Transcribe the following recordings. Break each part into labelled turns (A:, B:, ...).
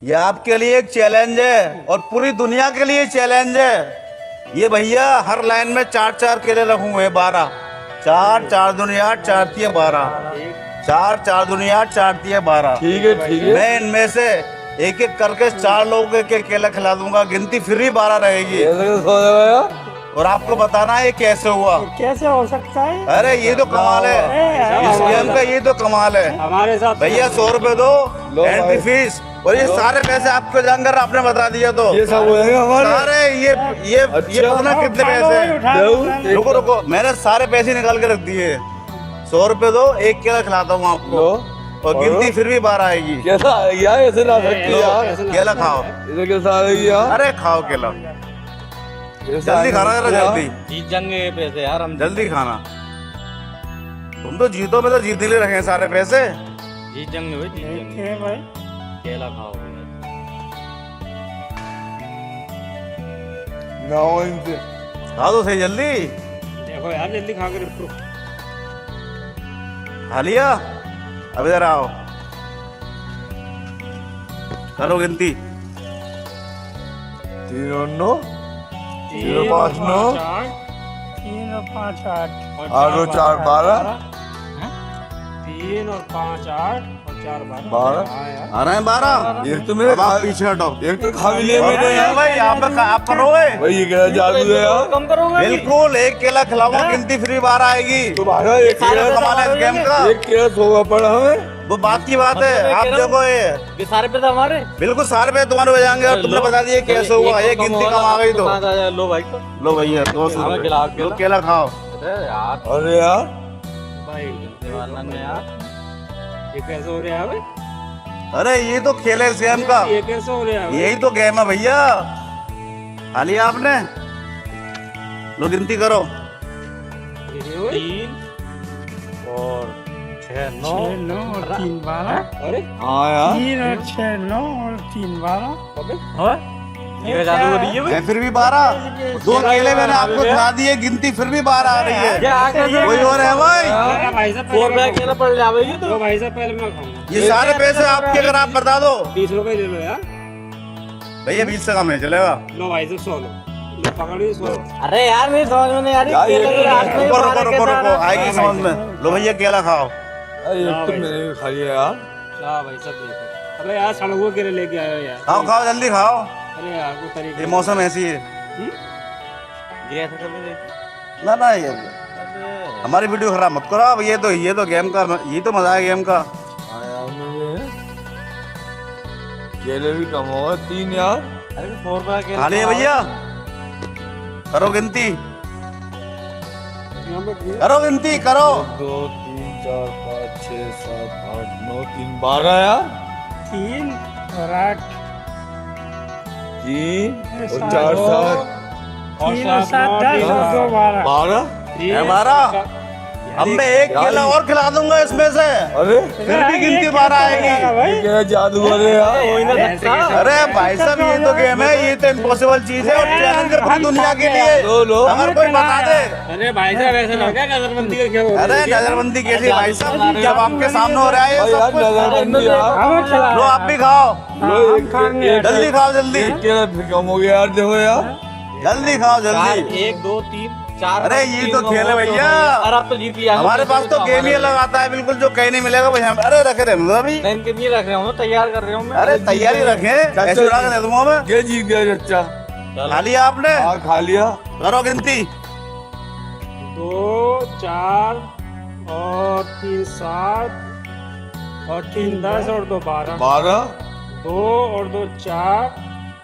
A: ये आपके लिए एक चैलेंज है और पूरी दुनिया के लिए चैलेंज है। ये भैया हर लाइन में 4-4 केले रखे हुए हैं, 12। 4 दुनिया 8, 4 12। 4 दुनिया 8, 4 12।
B: ठीक है ठीक है।
A: मैं इनमें से एक एक करके 4 लोगों के केला खिला दूंगा, गिनती फिर ही 12 रहेगी। और आपको बताना है ये कैसे हुआ।
C: कैसे हो सकता है?
A: अरे ये तो कमाल है, इस गेम का ये तो कमाल है।
C: हमारे साथ
A: भैया 100 रुपए दो एंट्री फीस, और ये सारे पैसे आपको जानकर आपने बता दिया तो
B: ये सब हो जाएगा हमारे।
A: सारे ये पता कितने पैसे हैं? रुको रुको, मैंने सारे पैसे निकाल के रख दिए। 100 रुपए दो, एक केला खिलाता हूँ आपको, और गिनती फिर भी 12 आएगी।
B: कैसा यार, ऐसे ना सकती यार।
A: केला खाओ।
B: ऐसे कैसा आ रही यार?
A: अरे खाओ केला, जल्दी खाना जरा, जल्दी
C: जीत जाएंगे पैसे यार हम।
A: जल्दी खाना। तुम तो जीतो, में तो जीतने लिए रखे हैं सारे पैसे।
C: जीत जाएंगे भाई, जीत जाएंगे भाई। केला खाओ
B: ना हो इनसे।
A: खा दो सही जल्दी।
C: देखो यार, जल्दी खा कर रखो।
A: खा लिया? अब इधर आओ, करो गिनती।
B: 3 और 9, 0 5 9,
C: 3 और 5 8,
B: 8 और 4 12,
C: 3 और 5 8 और 4 12।
B: 12।
A: आ रहे हैं 12।
B: एक तो मेरे
A: अब आप पीछे हटो।
B: एक तो खा भी लिया मैंने
A: अरे
B: यार।
A: भाई आप करोगे?
B: भाई ये क्या जादू है यार?
C: कम करोगे?
A: बिल्कुल, एक केला खिलाऊंगा, गिनती फ्री 12 आएगी।
B: तुम्हारा एक
A: सारे कमाल है इस गेम का।
B: एक केला सोगा पड़ा हमें।
A: वो बात की बात है, आप देखो ये
C: सारे पैसे हमारे।
A: बिल्कुल सारे पैसे तुम्हारे हो जाएंगे। और तुमने बता दिया कैसे हुआ, ये गिनती कम आ गई तो
C: लो भाई, तो
A: लो भैया 200
C: हमें खिलाओ,
A: रुपए, लो केला खाओ।
C: अरे यार
B: अरे यार
C: भाई, दीवाना ने यार, ये कैसे हो रहा है भाई?
A: अरे ये तो खेल है इस गेम का,
C: ये कैसे हो रहा है?
A: यही तो गेम है भैया। खा लिया आपने? लो गिनती करो।
C: 3 और 6 9 और 3 12। अरे
B: हाँ यार
C: 3 और 6 9 और 3 12। ये जादू हो रही है भाई।
A: है फिर भी 12। 2 केले मैंने आपको खिला दिए, गिनती फिर भी 12 आ रही है। कोई और है भाई?
C: भाई साहब 4 रुपए केला पड़ जाएगी तो भाई साहब पहले मैं खाऊंगा।
A: ये सारे पैसे आपके, अगर आप बता दो।
C: 30 रुपए ले लो यार।
A: भैया 20 से कम है, चलेगा?
C: लो भाई साहब 100 लो, पकड़िए 100। अरे यार मेरी समझ में नहीं आ रही।
A: रुको रुको रुको रुको, आएगी समझ में। लो भैया केला खाओ।
B: अरे एक तो मैंने भी खा लिया यार।
C: हाँ भाई साहब देखो। अरे यार सड़कों के लिए लेके आए हो यार।
A: खाओ खाओ जल्दी खाओ,
C: अरे यार कोई तरीका
A: ये मौसम ऐसी है
C: गया था कभी देख।
A: ना ना। ये हमारी वीडियो खराब मत करो आप। ये तो गेम का, ये तो मजा है गेम का।
B: हाँ यार मुझे केले भी कम होगा 3 यार।
C: अरे 100 रुपए के
A: खा लिए भैया? करो गिनती, करो गिनती करो।
B: 2 3 4 5 6 7 8 9 3 12 यार।
C: 3 और 8
B: 3 और 4 7
C: और 7 10 और 2 12।
B: 12।
A: है 12। अब मैं एक केला और खिला दूंगा इसमें से,
B: अरे
A: फिर भी गिनती 12 आएगी।
B: ये क्या जादू है यार?
A: अरे भाई साहब ये तो गेम है, ये तो इम्पॉसिबल चीज है, और चैलेंज है पूरी दुनिया के लिए।
B: लो
A: अगर कोई बता दे।
C: अरे भाई साहब ऐसा लग रहा है नजरबंदी का खेल हो रहा है।
A: अरे नजरबंदी कैसी भाई साहब, जब आपके सामने हो रहा है ये
B: यार
A: सब कुछ।
B: नजरबंदी यार।
A: लो आप भी खाओ,
B: लो एक
A: जल्दी खाओ जल्दी,
B: एक केला फिर कम हो गया यार। देखो यार
A: जल्दी खाओ जल्दी।
C: 1 2 3 4।
A: अरे ये तो खेल है भैया।
C: अरे आप तो जीत गया।
A: हमारे पास तो गेम ही अलग आता है बिल्कुल, जो कहीं नहीं मिलेगा भाई। अरे रखे रहे अभी,
C: मैं इनके लिए रख रहा हूँ, तैयार कर रहा हूँ मैं।
A: अरे तैयारी रखे, ऐसे उड़ा के दे दूंगा मैं।
B: ये जीत गया चच्चा।
A: खा लिया आपने?
B: हाँ खा लिया।
A: करो गिनती।
C: 2 4 और 3 7 और 3 10 और 2 12।
B: 12
C: 2 और 2 4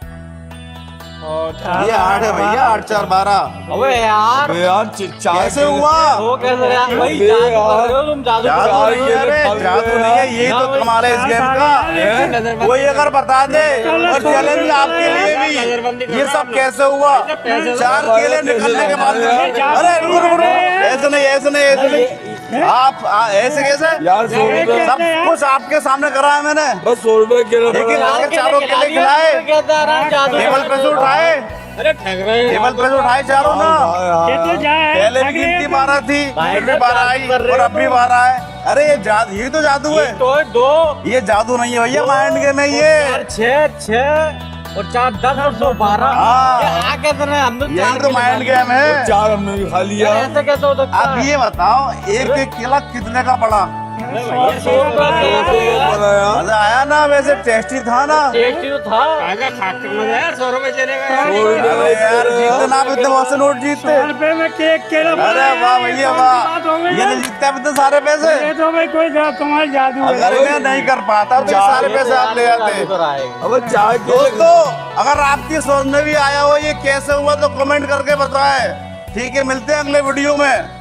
C: और
A: ये 8 है भैया, 8 4 12।
C: अबे यार
B: अबे यार 4
A: कैसे हुआ?
C: वो कैसे यार भाई,
B: अबे
C: जादू
B: यार।
C: कर रहे हो तुम, जादू कर
A: जादू
C: रहे हो।
A: नहीं है, अरे जादू नहीं है, ये तो कमाल है इस गेम का। कोई अगर बता दे, और चैलेंज आपके लिए भी, ये सब कैसे हुआ? 4 केले निकलने के बाद, अरे रुको रुको रुको, ऐसे नहीं ऐसे नहीं ऐसे नहीं, आप ऐसे कैसे?
B: यार 100 रुपए
A: सब कुछ आपके सामने करा है मैंने,
B: बस 100 रुपए केला
A: लेकिन
B: पड़ा।
A: आगे चारों केले खिलाए, टेबल पे से उठाए,
C: अरे ठग रहे हो।
A: टेबल पे से उठाए चारों ना।
B: हाँ यार।
A: पहले भी गिनती 12 थी, फिर भी 12 आई, और अब भी 12 है। अरे ये जादू, ये तो जादू है।
C: तो 2
A: ये जादू नहीं है भैया, माइंड गेम है ये।
C: 6 और 4 10 और 2 12।
A: हाँ।
C: ये आगे तो नहीं, हम तो
A: ये
C: 4
A: तो माइंड गेम है।
B: 4 हमने भी खा लिया।
C: ऐसे कैसे हो सकता
A: आप ये बताओ, एक केला कितने का पड़ा?
B: बनाया
A: मजा आया ना? वैसे टेस्टी था ना?
C: टेस्टी तो था। आगे खा के मजा यार, 100 रुपए चलेगा यार।
A: अरे यार जीतते ना, आप इतने बहुत से नोट जीतते।
C: 100 रुपए में केक केला।
A: अरे वाह भैया वाह, ये नहीं जीतते आप इतने सारे पैसे।
C: ये तो भाई कोई कमाल जादू है।
A: अगर मैं नहीं कर पाता तो ये सारे पैसे आप ले आते।
B: अब 4 केले
A: दोस्तों अगर आपकी समझ में भी आया हो ये कैसे हुआ तो कमेंट करके बताएं। ठीक है, मिलते हैं अगले वीडियो में।